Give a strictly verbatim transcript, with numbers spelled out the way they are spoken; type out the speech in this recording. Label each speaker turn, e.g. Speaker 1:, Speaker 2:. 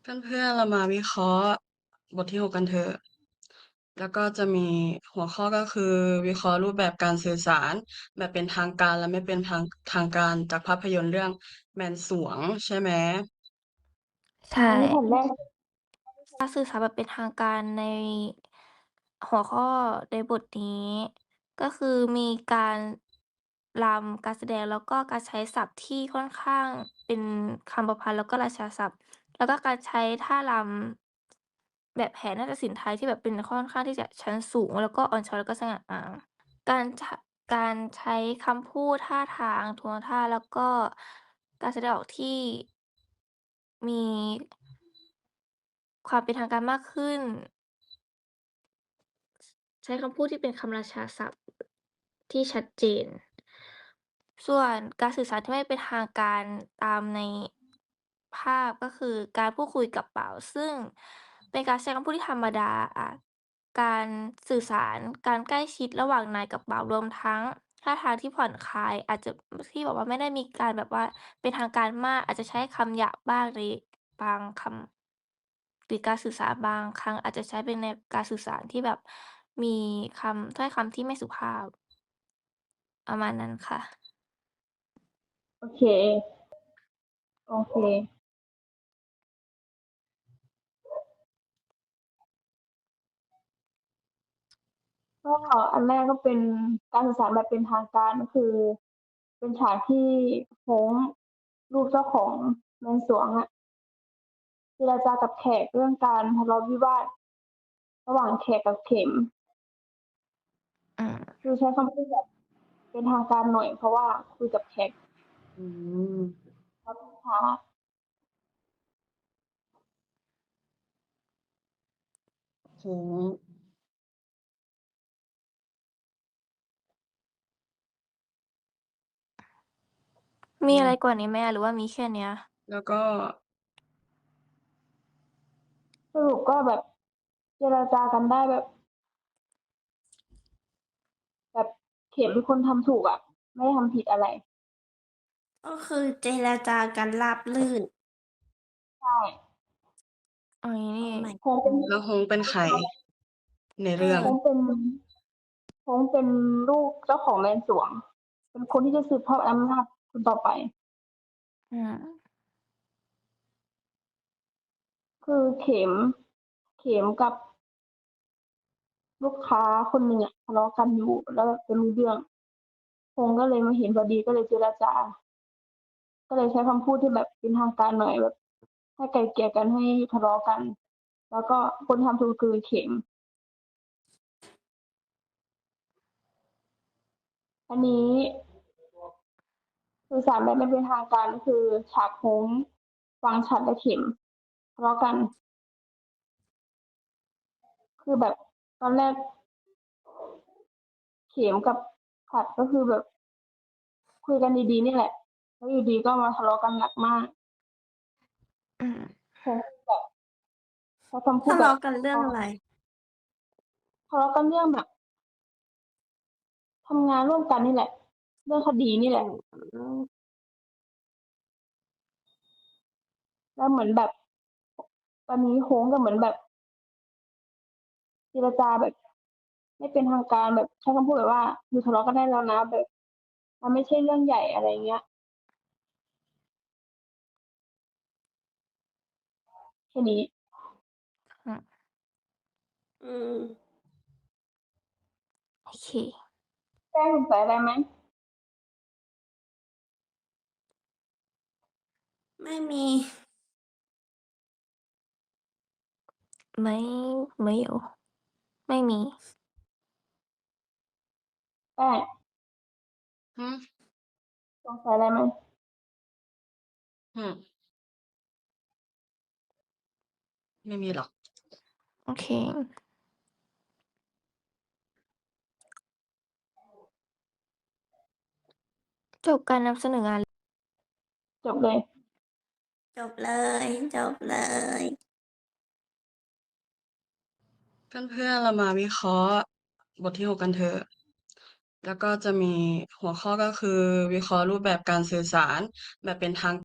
Speaker 1: เพื่อนๆเรามาวิเคราะห์บทที่หกกันเถอะ แล้วก็จะมีหัวข้อก็คือวิเคราะห์รูปแบบการสื่อสารแบบเป็นทางการและไม่เป็นทางทางการจากภาพยนตร์เรื่องแมนสวงใช่ไหม
Speaker 2: ใช่
Speaker 3: อันนี้แผ่นแรก
Speaker 2: การสื่อสารแบบเป็นทางการในหัวข้อในบทนี้ ก็คือมีการรำการแสดงแล้วก็การใช้ศัพท์ที่ค่อนข้างเป็นคำประพันธ์แล้วก็ราชาศัพท์แล้วก็การใช้ท่ารำแบบแผนนาฏศิลป์ไทยที่แบบเป็นค่อนข้างที่จะชั้นสูงแล้วก็อ่อนช้อยแล้วก็สง่างามการชการใช้คำพูดท่าทางโทนท่าแล้วก็การแสดงออกที่มีความเป็นทางการมากขึ้น ใช้คำพูดที่เป็นคำราชาศัพท์ที่ชัดเจน ส่วนการสื่อสารที่ไม่เป็นทางการตามในภาพก็คือการพูดคุยกับบ่าวซึ่งเป็นการใช้คำพูดที่ธรรมดาอ่าการสื่อสารการใกล้ชิดระหว่างนายกับบ่าวรวมทั้งท่าทางที่ผ่อนคลายอาจจะที่แบบว่าไม่ได้มีการแบบว่าเป็นทางการมากอาจจะใช้คำหยาบบ้างในบางคำหรือการสื่อสารบางครั้งอาจจะใช้เป็นในการสื่อสารที่แบบมีคำถ้อยคำที่ไม่สุภาพประมาณนั้นค่ะ
Speaker 3: โอเค โอเค ก็อันแรกก็เป็นการสื่อสารแบบเป็นทางการก็คือ เป็นฉากที่โฮงค์ลูกเจ้าของเมืองสวงอะเจรจากับแขกเรื่องการทะเลาะวิวาทระหว่างแขกกับเข็ม
Speaker 2: อืม
Speaker 3: คือใช้คำพูดแบบเป็นทางการหน่อยเพราะว่าคุยกับแขก
Speaker 1: อืม
Speaker 3: แล้วลูกค้า
Speaker 1: โห
Speaker 2: มีอะไร
Speaker 1: อืม
Speaker 2: กว่านี้ไหมอะหรือว่ามีแค่เนี้ย
Speaker 1: แล้วก็
Speaker 3: สรุปก็แบบเจรจากันได้แบบแบบเข็มเป็นคนทำถูกอะไม่ได้ทำผิดอะไร
Speaker 4: ก็คือเจรจากันราบรื่น
Speaker 3: ใช่
Speaker 2: อ๋ออย่างงี้นี่เอง
Speaker 4: โอ้ my
Speaker 3: โฮงค์เป็น
Speaker 1: แล้วฮงเป็นใครใน
Speaker 4: เอ
Speaker 1: เรื่อง
Speaker 4: อ
Speaker 3: โฮงค์เป็นโฮงค์เป็นลูกเจ้าของแมนสวงเป็นคนที่จะสืบทอดอำนาจคนต่อไป
Speaker 2: อืม
Speaker 3: คือเข็มเข็มกับลูกค้าคนหนึ่งอะทะเลาะกันอยู่แล้วแบบไม่รู้เรื่องโฮงค์ก็เลยมาเห็นพอดีก็เลยเจรจา ก็เลยใช้คำพูดที่แบบเป็นทางการหน่อยแบบให้ไกล่เกลี่ยกันให้ทะเลาะกัน แล้วก็คนทำถูกคือเข็ม อันนี้สื่อสารแบบไม่เป็นทางการก็คือฉากโค้งฟังฉัดและเข็มทะเลาะกัน คือแบบตอนแรกเข็มกับฉัดก็คือแบบคุยกันดีๆนี่แหละแล้วอยู่ดีก็มาทะเลาะกันหนักมาก
Speaker 2: อืม
Speaker 3: โค้งแบบใช้คำพูด
Speaker 4: ทะ
Speaker 3: แบบ
Speaker 4: เลาะกันเรื่องอะไร
Speaker 3: ทะเลาะกันเรื่องแบบทำงานร่วมกันนี่แหละ เรื่องคดีนี่แห
Speaker 4: อื
Speaker 3: ละ
Speaker 4: ม
Speaker 3: แล้วเหมือนแบบตอนนี้โค้งก็เหมือนแบบเจรจาแบบไม่เป็นทางการแบบใช้คำพูดแบบว่าอยู่ทะเลาะกันได้แล้วนะแบบมันไม่ใช่เรื่องใหญ่อะไรเงี้ยแค่นี้
Speaker 2: อืม
Speaker 4: อืม
Speaker 2: โอเค
Speaker 3: แจ้งสงสัยอะไรไหม
Speaker 4: ไม่มี
Speaker 2: ไม่ไม่有ไม่มี
Speaker 3: แป้ง
Speaker 1: ฮึ
Speaker 3: สงสัยอะไรไหม
Speaker 1: ฮึไม่มีหรอก
Speaker 2: โอเคจบการนำเสนองาน
Speaker 3: จบเลย
Speaker 4: จบเลย จบเลย
Speaker 1: เพื่อนๆเรามาวิเคราะห์บทที่หกกันเถอะ แล้วก็จะมีหัวข้อก็คือวิเคราะห์รูปแบบการสื่อสารแบบเป็นทาง